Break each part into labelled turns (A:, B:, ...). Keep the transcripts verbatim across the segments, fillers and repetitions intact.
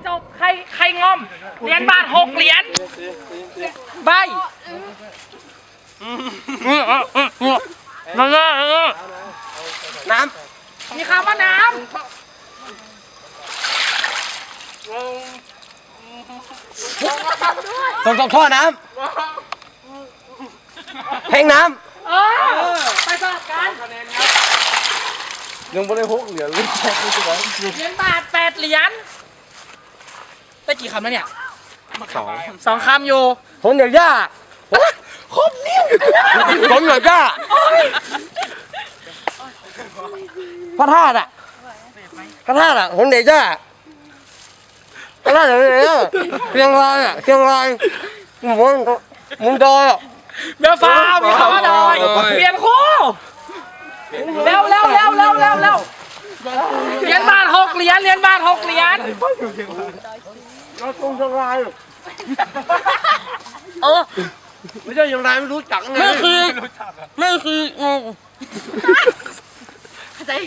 A: จบใครใครงอมเหรียญบาทหกเหรียญใบน้ำน้ำมีคำว่าน้ำ
B: ตรงตรงท่อน้ำแห้งน้ำ
A: เออไปสลับกัน
B: ยังไม่ได้หกเหรียญเลย
A: เหรียญบาทแปดเหรียญได้กี่คำแล้วเนี่ย
B: สอง
A: สองคำอยู่
B: คนอย่างย่าครบนิ่มคนอย่างย่าพระธาตุอ่ะพระธาตุอ่ะคนเดียย่าพระธาตุอย่างนี้เชียงรายอ่ะเชียงรายมุนมุนดอยอ่ะ
A: เบลฟ้ามีคำว่าดอยเปลี่ยนคู่เร็วเร็วเร็วเร็วเร็วเร็วเหรียญบาทหกเหรียญเหรียญบาทหกเหรียญ
B: เราตรงเชียงราย
A: เออ
B: ไม่ใช่เชียงรายไม่รู้จักไง
A: ไม่คือไม่คืองงเข้าใจ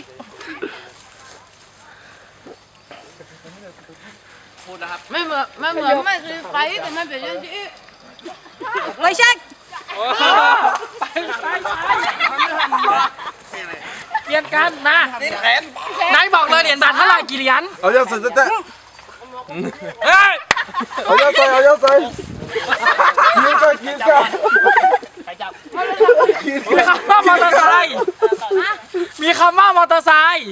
A: พูดนะครับไม่เหมือนไม่เหมือนไม่คือไฟแต่มันเป็นอย่างที่ไม่ใช่ไปไปไปเปลี่ยนกันนะนายบอกเลยเหรียญบาทเท่าไหร่กี่เหรียญ
B: เอาเยอะใส่เต้
A: เฮ้ย
B: เอาเยอะใส่เอาเยอะใส่กินกันกินกัน
A: มีคำว่ามอเตอร์ไซค์มีคำว่ามอเตอร์ไซค์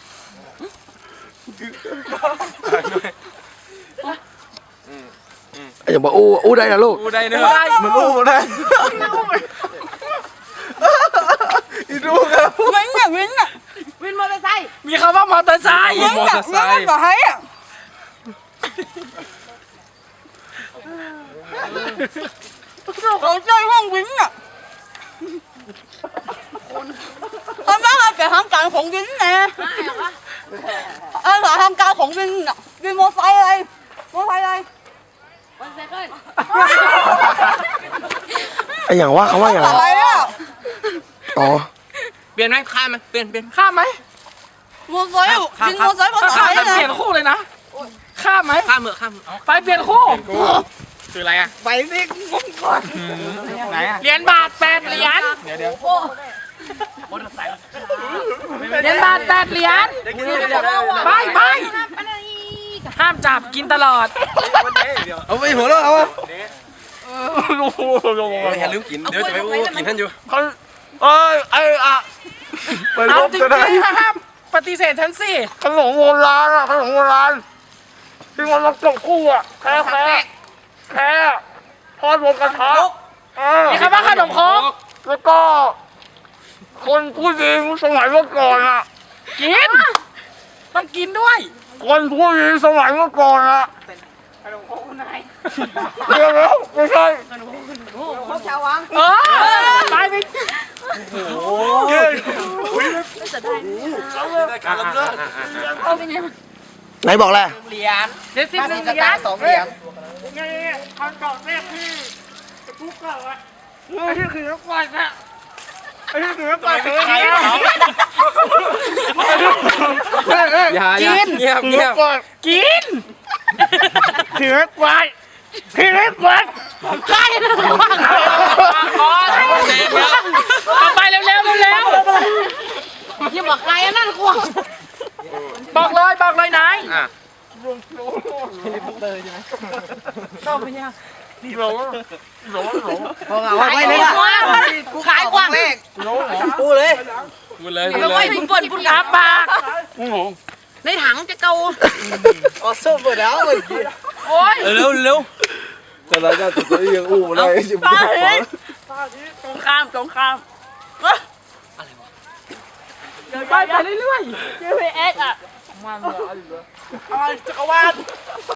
B: อย่าบอกอู้อู้ได้นะลูก
A: อู้ได้เนื้อ
B: มันอู้มาได้อีดูครับ
C: วินอะวินอะวินมอเตอร์ไซค์
A: มีคำว่ามอเตอร์ไซค์
C: วินอะวินมอเตอร์ไซค์อะเขาใจห้องวินอะทำไมให้เป็นทางการของวินเนี่ยเออทางการของวินอะวินมอเตอร์ไซค์อะไรมอเตอร์ไซค์อะไร
B: ไอ้อย่างว่าเขาว่าอย่างไรอ๋อ
A: เปลี่ยนไหมข้ามไหมเปลี่ยนเปลี่ยนข้ามไหม
C: มอเตอร์ไซค์วินมอเตอร์ไซค์ภาษาไทยนะ
A: เปลี่ยนคู่เลยนะข้ามไหมข้ามเหมือข้ามไปเปลี่ยนคู่คืออะไรอ่ะ
C: ไปสิก่อน
A: ไหนอ่ะเหรียญบาทแปดเหรียญเดี๋ยวเดี๋ยวเหรียญบาทแปดเหรียญไปไปห้ามจับกินตลอด
B: เอาไปหัวเราเอา
A: อย่าลืมกินเดี๋ยวจะไปอู้กินท่านอยู่เขา
B: เอ้ยไอ้อะ
A: ไปลบจะได้ห้ามปฏิเสธฉันสิ
B: ขนมโบราณอะขนมโบราณที่มันมาจบคู่อะแค่แค่แค่ทอดบนกระทะ
A: มีคำว่าขนมครก
B: แล้วก็คนผู้หญิงสมัยเมื่อก่อนอะ
A: กินต้องกินด้วย
B: คนผู้หญิงสมัยเมื่อก่อนอะ
A: ขนมครกคุณนาย
B: เดี๋ยวแล้วไม่ใช่
C: ขนมครกชาววัง
A: เออตายไป
B: โอ้ยไหนบอกแหละ
A: เหรียญเจ็ดสิบหนึ่งเหรียญ
C: สองเหรียญ
A: ไงคำตอบแรกที่ทุกข์เก่าอะไอ้ที่คือนักวาดอะไอ้ที่คือนักวาดเลยกิน
B: เงียบเงียบ
A: กินถือควายถือควายใครนะควายต่อไปเร็วเร็วเร็ว
C: อย่าบอกใครนั่นควาย
A: บอกเลยบอกเลยนายชอบไหมเนี่ย
B: หลงหลงหลง
C: พอเอาไว้เลยกูขายกว้างเลย
B: พูดเลย
A: พูดเลยพูดเลย
C: พูดเปิดพูด
A: อาปาก
C: ในถังจะเกา
B: อ๋อสู้หมดแล้วเมื่อกี้
A: โอ้ย
B: เร็วเร็วแต่เราจะตัวยังอู้ได้ยังไม่ได้
C: ตรงข้ามตรงข้าม
A: อะไรวะไปไปเรื่อยๆ
C: จี พี เอส อ่ะ
A: มันอะไรจักรวาล